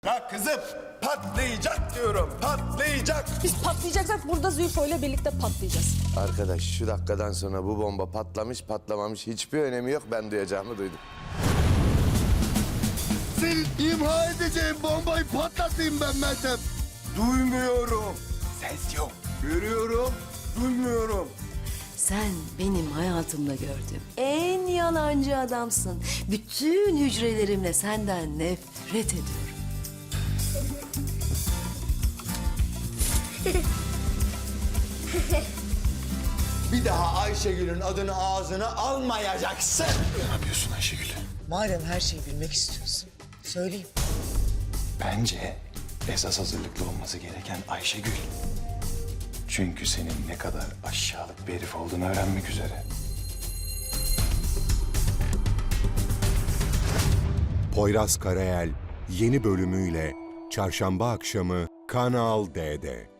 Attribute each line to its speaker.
Speaker 1: Ya kızım patlayacak diyorum, patlayacak.
Speaker 2: Biz patlayacaksak burada Zülfo ile birlikte patlayacağız.
Speaker 3: Arkadaş şu dakikadan sonra bu bomba patlamış patlamamış hiçbir önemi yok. Ben duyacağımı duydum.
Speaker 4: Senin imha edeceğin bombayı patlatayım ben Meltem.
Speaker 1: Duymuyorum. Ses yok. Görüyorum, duymuyorum.
Speaker 5: Sen benim hayatımda gördüğüm en yalancı adamsın. Bütün hücrelerimle senden nefret ediyorum.
Speaker 1: Bir daha Ayşegül'ün adını ağzına almayacaksın.
Speaker 6: Ne yapıyorsun Ayşegül?
Speaker 7: Madem her şeyi bilmek istiyorsun, söyleyeyim.
Speaker 6: Bence esas hazırlıklı olması gereken Ayşegül. Çünkü senin ne kadar aşağılık bir herif olduğunu öğrenmek üzere.
Speaker 8: Poyraz Karayel yeni bölümüyle Çarşamba akşamı Kanal D'de.